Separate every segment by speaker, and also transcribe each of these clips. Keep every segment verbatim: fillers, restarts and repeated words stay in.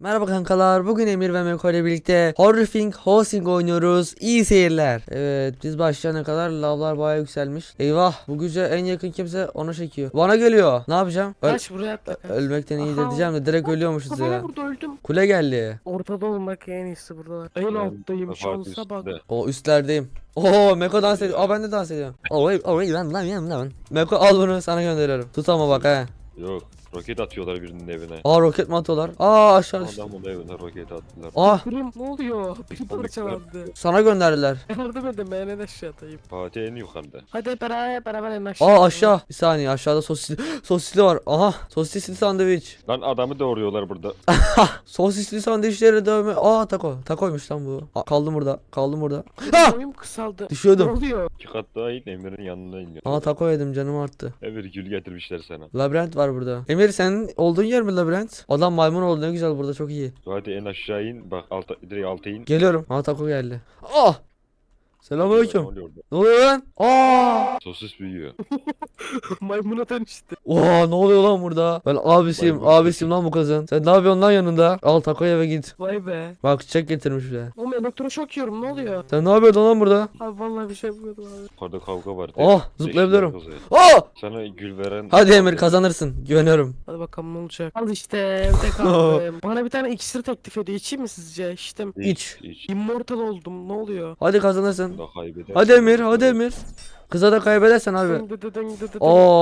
Speaker 1: Merhaba kankalar, bugün Emir ve Meko ile birlikte Horrifying Housing oynuyoruz. İyi seyirler. Evet, biz başlayana kadar lavlar bayağı yükselmiş. Eyvah, bu güce en yakın kimse ona çekiyor. Bana geliyor. Ne yapacağım? Öl
Speaker 2: Kaç buraya atla kaç.
Speaker 1: ölmekten iyidir
Speaker 2: Aha.
Speaker 1: diyeceğim de direkt ölüyormuşuz
Speaker 2: Kafama
Speaker 1: ya.
Speaker 2: vurdu öldüm.
Speaker 1: Kule geldi.
Speaker 2: Ortada olmak en iyisi burada. En alttayım
Speaker 3: Fark
Speaker 2: şansa bak.
Speaker 3: üstünde.
Speaker 1: O üstlerdeyim. Oo, Meko dans ediyor. Aa, ben de dans ediyorum. Oy oy lan lan lan lan. Meko al bunu, sana gönderiyorum. Tut ama bak he.
Speaker 3: Yok. Roket atıyorlar birinin evine.
Speaker 1: Aa, roket mi atıyorlar? Aa, aşağı düştü.
Speaker 3: Adamın evine roket attılar.
Speaker 1: Ah,
Speaker 2: Kırım ne oluyor? Bir parçalandı.
Speaker 1: sana gönderdiler.
Speaker 2: Yardım edin ben en aşağı atayım.
Speaker 3: Fatih en yukarıda.
Speaker 2: Hadi beraber beraber en aşağı.
Speaker 1: Aa, aşağı. Bir saniye, aşağıda sosisli sosisli var. Aha, sosisli sandviç.
Speaker 3: Lan adamı doğuruyorlar burada.
Speaker 1: Sosisli sandviçleri dövme. Aa, taco. Tacoymuş lan bu. Aa, kaldım burada. Kaldım burada. Ha!
Speaker 2: Boyum kısaldı.
Speaker 1: Düşüyordum.
Speaker 2: Ne oluyor?
Speaker 3: İki kat daha in Emir'in yanına iniyor.
Speaker 1: Aa, taco yedim, canım arttı.
Speaker 3: Emir gül getirmişler sana.
Speaker 1: Labirent var burada. Emir, senin olduğun yer mi labirent? Adam maymun oldu, ne güzel burada, çok iyi.
Speaker 3: Fatih en aşağı in. Bak alta, direkt alta in.
Speaker 1: Geliyorum. Aa, taco geldi. Ah!
Speaker 3: Ne
Speaker 1: Selamünaleyküm.
Speaker 3: oluyor orada?
Speaker 1: Ne oluyor lan? Aa!
Speaker 3: Sosis büyüyor.
Speaker 2: Maymuna dönüştü.
Speaker 1: Oha, ne oluyor lan burada? Ben abisiyim,
Speaker 3: Maymun
Speaker 1: abisiyim lan bu kızın. Sen ne yapıyorsun lan yanında? Al taco eve git.
Speaker 2: Vay be.
Speaker 1: Bak, çiçek getirmiş bile.
Speaker 2: Oğlum elektroşok yiyorum ne oluyor?
Speaker 1: Sen ne yapıyorsun lan burada?
Speaker 2: Abi vallahi bir şey yapmıyordum abi.
Speaker 3: Yukarıda kavga var.
Speaker 1: Oh, zıplayabiliyorum.
Speaker 3: Eşler kızı.
Speaker 1: Aa!
Speaker 3: Sana gül veren...
Speaker 1: Hadi Emir, kazanırsın. Güveniyorum.
Speaker 2: Hadi bakalım ne olacak. Al işte evde kaldım. Bana bir tane iksir teklif ediyor. İçeyim mi sizce? İçtim.
Speaker 1: İç.
Speaker 3: İç.
Speaker 2: Immortal oldum. Ne oluyor?
Speaker 1: Hadi kazanırsın.
Speaker 3: Da kaybedersin.
Speaker 1: Hadi Emir, hadi Emir. Kıza da kaybedersen abi.
Speaker 2: Dın dı dı dın dı dı dın.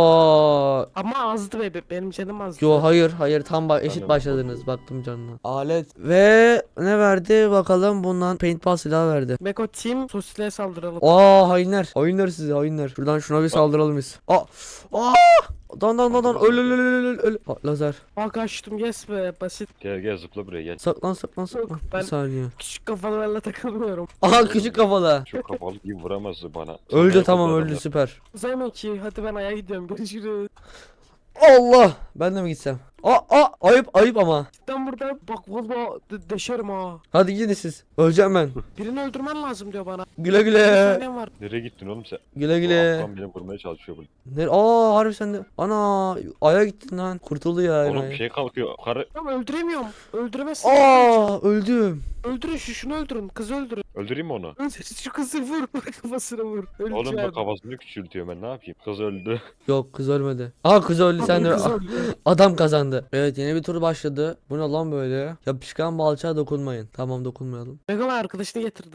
Speaker 1: Oo.
Speaker 2: Ama azdı be benim canım azdı.
Speaker 1: Yo, hayır hayır, tam ba- eşit
Speaker 3: Tamam,
Speaker 1: başladınız, baktım canına. Alet ve ne verdi bakalım, bundan paintball silahı verdi.
Speaker 2: Meko Team sosisliğe saldıralım.
Speaker 1: Aa, hainler. Hainler sizi, hainler. Şuradan şuna bir saldıralım biz. Aa. Aa. Dan dan dan dan, öl öl öl öl öl öl. Aa, lazer.
Speaker 2: Aa kaçtım yes be basit.
Speaker 3: Gel gel zıpla buraya gel.
Speaker 1: Saklan saklan saklan.
Speaker 2: Yok,
Speaker 1: Bir
Speaker 2: ben-
Speaker 1: saniye.
Speaker 2: Küçük kafalarla takılmıyorum.
Speaker 1: Aha, küçük kafalı.
Speaker 3: Çok kafalı gibi vuramazdı bana.
Speaker 1: Öldü,
Speaker 3: Sana
Speaker 1: tamam,
Speaker 3: yapıldı
Speaker 1: öldü,
Speaker 3: adamlar.
Speaker 1: süper.
Speaker 2: Uzayma ki hadi ben aya gidiyorum görüşürüz.
Speaker 1: Allah. Ben de mi gitsem? Aa, aa, ayıp ayıp ama.
Speaker 2: Ben burada bak valla de deşerim ha.
Speaker 1: Hadi gidin siz. Öleceğim ben.
Speaker 2: Birini öldürmen lazım diyor bana.
Speaker 1: Güle
Speaker 2: Bir
Speaker 1: güle.
Speaker 2: saniyem var.
Speaker 3: Nereye gittin oğlum sen?
Speaker 1: Güle
Speaker 3: Bu
Speaker 1: güle.
Speaker 3: aslan beni vurmaya çalışıyor burada.
Speaker 1: Nere? Aa, harbi sen de. Ana, aya gittin lan. Kurtuldu ya.
Speaker 3: Oğlum
Speaker 1: enayi.
Speaker 3: bir şey kalkıyor. Karı
Speaker 2: Tamam öldüremiyorum. Öldüremezsin.
Speaker 1: Aa, öldüm.
Speaker 2: Öldürün şu şunu öldürün. Kızı öldürün.
Speaker 3: öldüreyim mi onu?
Speaker 2: Öldür şu kızı vur. Kafasına vur. Öleceğim.
Speaker 3: Oğlum da kafasını küçültüyor ben ne yapayım? Kız öldü.
Speaker 1: Yok, kız ölmedi. Aa, kız öldü, sen de.
Speaker 2: Kız öldü.
Speaker 1: Adam kazandı. Evet, yeni bir tur başladı. Bu ne lan böyle? Yapışkan balçağa dokunmayın. Tamam, dokunmayalım.
Speaker 2: Mega arkadaşını getirdim.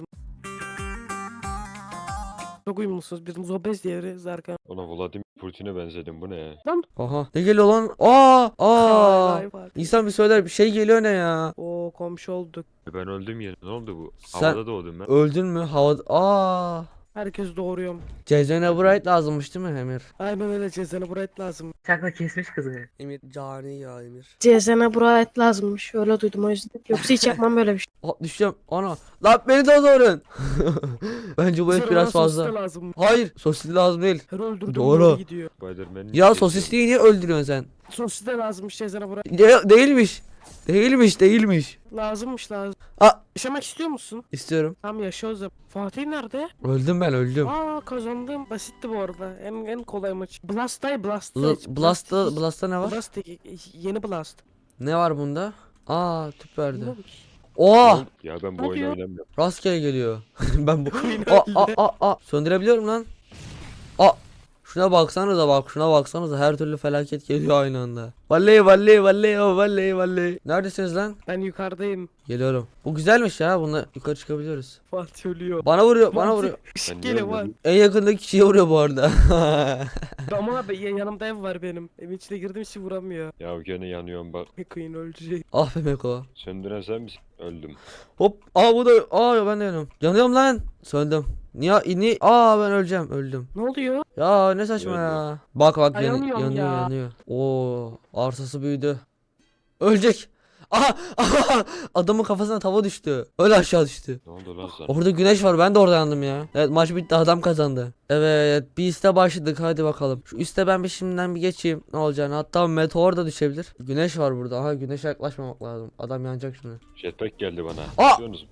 Speaker 2: Çok uyumlusunuz. Biriniz obez diğeri Zarkan.
Speaker 3: Oğlum Vladimir Putin'e benzedim bu ne?
Speaker 1: Aha. Ne geliyor lan? Aa! Aa!
Speaker 2: Vay vay.
Speaker 1: İnsan bir söyler, bir şey geliyor, ne ya?
Speaker 2: Oo komşu olduk.
Speaker 3: E Ben öldüm yine. Ne oldu bu?
Speaker 1: Sen-
Speaker 3: Havada doğdum ben.
Speaker 1: Öldün mü? Havada. Aa!
Speaker 2: Herkes doğuruyorum.
Speaker 1: Cezene Bright lazımmış değil mi Emir?
Speaker 2: Aynen öyle cezene burayet lazım.
Speaker 4: Çakla kesmiş kızı.
Speaker 1: Emir cani ya Emir.
Speaker 2: Cezene burayet lazımmış. Öyle duydum o yüzden. Yoksa hiç yapmam böyle bir şey.
Speaker 1: Aa, düşeceğim. Ana. Lan beni de doğurun. Bence bu et biraz fazla.
Speaker 2: Lazım.
Speaker 1: Hayır, sosisli lazım değil.
Speaker 2: Her öldürdüğüm
Speaker 1: Doğru.
Speaker 2: yere gidiyor.
Speaker 3: Spiderman'in
Speaker 1: Ya
Speaker 3: sesi.
Speaker 1: sosisliyi niye öldürüyorsun sen?
Speaker 2: Sosis de lazımmış cezene burayet.
Speaker 1: De- değilmiş. Değilmiş, değilmiş.
Speaker 2: Lazımmış lazım.
Speaker 1: Aa.
Speaker 2: Yaşamak istiyor musun?
Speaker 1: İstiyorum.
Speaker 2: Tamam yaşa o zaman. Fatih nerede?
Speaker 1: Öldüm ben, öldüm.
Speaker 2: Aa kazandım. Basitti bu arada. En en kolay maç. Blast'tay Blast.
Speaker 1: L- Blast'ta, Blast'ta ne var?
Speaker 2: Blast yeni Blast.
Speaker 1: Ne var bunda? Aa, tüp verdi.
Speaker 2: Ne bu?
Speaker 1: Oha!
Speaker 3: Ya ben bu
Speaker 2: Ne
Speaker 3: oyunu
Speaker 2: diyor?
Speaker 3: oynamıyorum.
Speaker 1: Rastgele geliyor. Ben bu.
Speaker 2: Oyun
Speaker 1: Aa, aa,
Speaker 2: öyle.
Speaker 1: aa, aa. Söndürebiliyorum lan. Aa. Şuna baksanıza, bak şuna baksanıza, her türlü felaket geliyor aynı anda. Vallahi vallahi vallahi oh, vallahi vallahi. Neredesiniz lan?
Speaker 2: Ben yukarıdayım.
Speaker 1: Geliyorum. Bu güzelmiş ya, bununla yukarı çıkabiliyoruz.
Speaker 2: Fatih ölüyor.
Speaker 1: Bana vuruyor, bana
Speaker 2: Fatih,
Speaker 1: vuruyor.
Speaker 2: Işık
Speaker 3: Ben
Speaker 2: geliyor
Speaker 3: niye
Speaker 2: var.
Speaker 3: öldüm?
Speaker 1: En yakındaki kişiye vuruyor bu arada.
Speaker 2: Ama abi ya- yanımda ev var benim. Evin içine girdiğim için vuramıyor.
Speaker 3: Ya gene yanıyorum bak.
Speaker 2: Queen ölecek.
Speaker 1: Ah be Meko.
Speaker 3: Söndüren sen misin? Öldüm.
Speaker 1: Hop. Aa, bu da. Aa, ben de yanıyorum. Yanıyorum lan. Söndüm. Niye? Ni? Aa, ben öleceğim. Öldüm.
Speaker 2: Ne oluyor?
Speaker 1: Ya ne saçma
Speaker 3: Yanıyor.
Speaker 1: ya. Bak bak,
Speaker 2: Ay,
Speaker 1: yan-
Speaker 2: yanıyorum
Speaker 1: yanıyor
Speaker 2: ya.
Speaker 1: yanıyor. Oo, arsası büyüdü. Ölecek. Aha, aha, adamın kafasına tava düştü. Öyle aşağı düştü.
Speaker 3: Ne oldu lan sana?
Speaker 1: Orada güneş var, ben de orada yandım ya. Evet, maç bitti, adam kazandı. Evet, bir üste başladık, hadi bakalım. Şu üste ben bir şimdiden bir geçeyim ne olacağını. Hatta meteor da düşebilir. Güneş var burada. Aha, güneşe yaklaşmamak lazım. Adam yanacak şimdi.
Speaker 3: Jetpack geldi bana.
Speaker 1: Aa!
Speaker 3: Biliyorsunuz.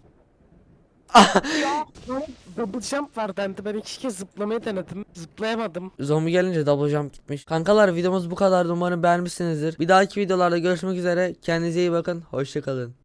Speaker 2: Ya bana double jump var dendi. Ben iki kez zıplamayı denedim. Zıplayamadım.
Speaker 1: Zombi gelince double jump gitmiş. Kankalar, videomuz bu kadar. Umarım beğenmişsinizdir. Bir dahaki videolarda görüşmek üzere. Kendinize iyi bakın. Hoşçakalın.